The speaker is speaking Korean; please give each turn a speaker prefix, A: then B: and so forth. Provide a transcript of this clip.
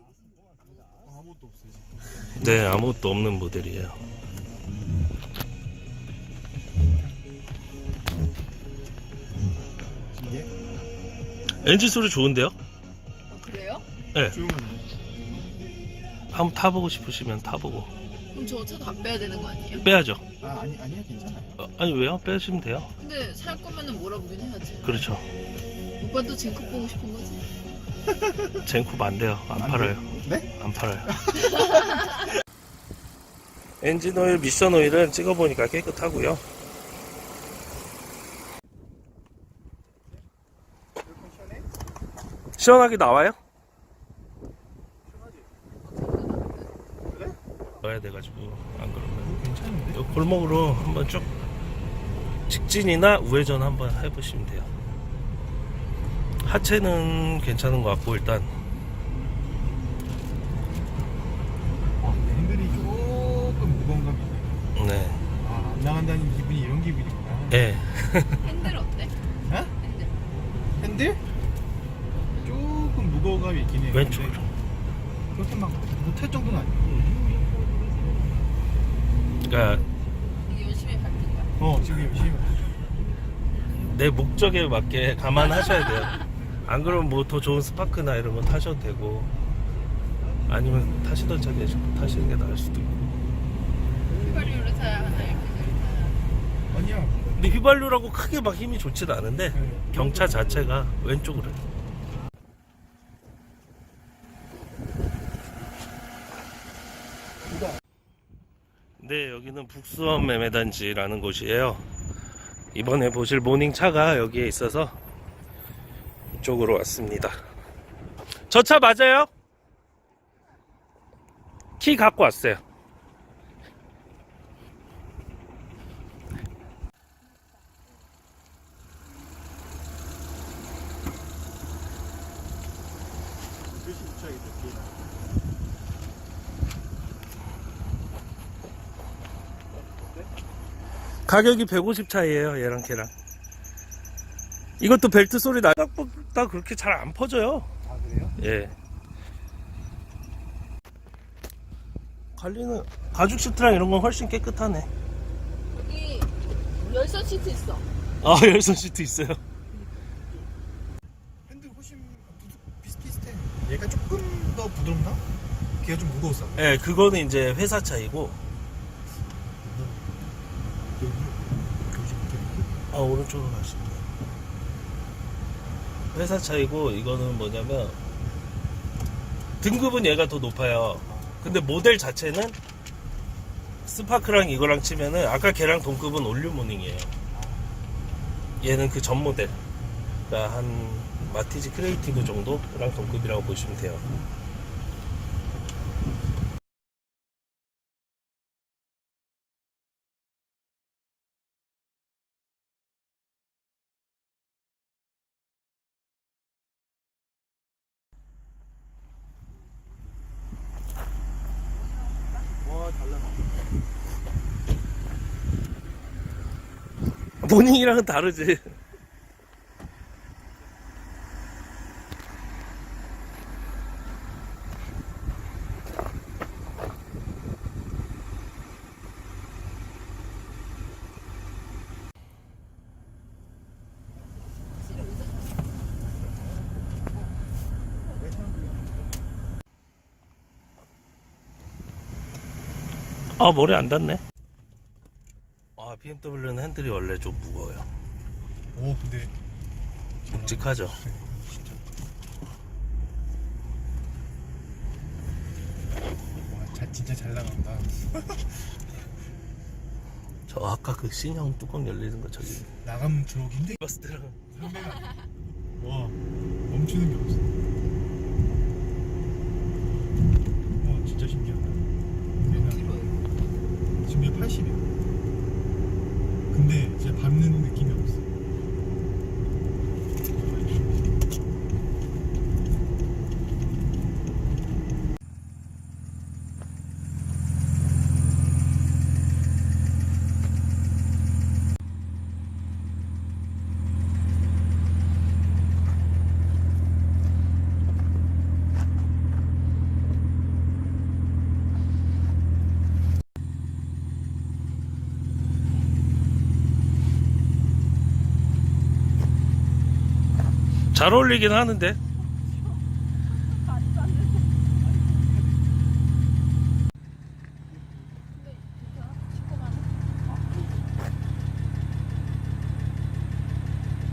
A: 아무것도 없어요.
B: 네, 아무것도 없는 모델이에요.
A: 이게
B: 엔진 소리 좋은데요?
C: 그래요?
B: 네.
A: 조용한데.
B: 한번 타보고 싶으시면 타보고.
C: 그럼 저 차 다 빼야 되는 거 아니에요?
B: 빼야죠.
A: 아니야 괜찮아요.
B: 아니 왜요? 빼시면 돼요.
C: 근데 살 거면은 몰아보긴 해야지.
B: 그렇죠.
C: 오빠도 징크 보고 싶은 거지?
B: 젠쿱 안 돼요. 안 팔아요.
A: 네?
B: 안 팔아요. 엔진 오일, 미션 오일은 찍어보니까 깨끗하고요. 시원하게 나와요? 넣어야 돼가지고 안 그러면
A: 괜찮은데?
B: 요 골목으로 한번 쭉 직진이나 우회전 한번 해보시면 돼요. 하체는 괜찮은 것 같고 일단
A: 핸들이 조금 무거운 감이 있네.
B: 네,
A: 안 나간다는 기분이 이런 기분이구나.
B: 네.
C: 핸들 어때?
A: 어?
C: 핸들.
A: 핸들? 조금 무거운 감이 있긴 해요.
B: 왼쪽으로.
A: 근데 그렇게 막 못할 정도는 아니고.
B: 그러니까
C: 이게 열심히 밟는 거야.
A: 지금 열심히.
B: 내 목적에 맞게 감안하셔야 돼요. 안 그러면 뭐 더 좋은 스파크나 이런 거 타셔도 되고 아니면 타시던 차에 타시는 게 나을 수도 있고.
C: 휘발유를 타야 하나 이렇게 타야.
A: 아니야.
B: 근데 휘발유라고 크게 막 힘이 좋지는 않은데
A: 네.
B: 경차 자체가 왼쪽으로. 네, 여기는 북수원 매매단지라는 곳이에요. 이번에 보실 모닝차가 여기에 있어서 이쪽으로 왔습니다. 저 차 맞아요? 키 갖고 왔어요.
A: 글씨 붙여야겠다. 뒤에다.
B: 가격이 150 차이에요, 얘랑 걔랑. 이것도 벨트 소리 나다 그렇게 잘 안 퍼져요.
A: 아 그래요?
B: 예. 관리는 가죽 시트랑 이런 건 훨씬 깨끗하네.
C: 여기 열선 시트 있어.
B: 아, 열선 시트 있어요.
A: 핸들 훨씬 비슷비슷해. 얘가 조금 더 부드럽나? 걔가 좀 무거웠어.
B: 예, 그거는 이제 회사 차이고. 아, 오른쪽으로 가시면 돼요. 회사 차이고, 이거는 뭐냐면 등급은 얘가 더 높아요. 근데 모델 자체는 스파크랑 이거랑 치면은 아까 걔랑 동급은 올류모닝이에요. 얘는 그 전 모델. 그러니까 한 마티즈 크리에이티브 정도랑 동급이라고 보시면 돼요.
A: 와 달라.
B: 모닝이랑은 다르지. 아, 머리 안 닿네. 아, BMW는 핸들이 원래 좀 무거워요.
A: 오 근데
B: 묵직하죠.
A: 진짜. 진짜 잘 나간다.
B: 저 아까 그 신형 뚜껑 열리는 거 저기
A: 나가면 들어오기 힘들.
B: 봤을 때랑
A: 상대가. 와 멈추는 게 없어. 와 진짜 신기하다. 지금 얘 80이야. 근데 진짜 밟는 느낌이 없어.
B: 잘 어울리긴 하는데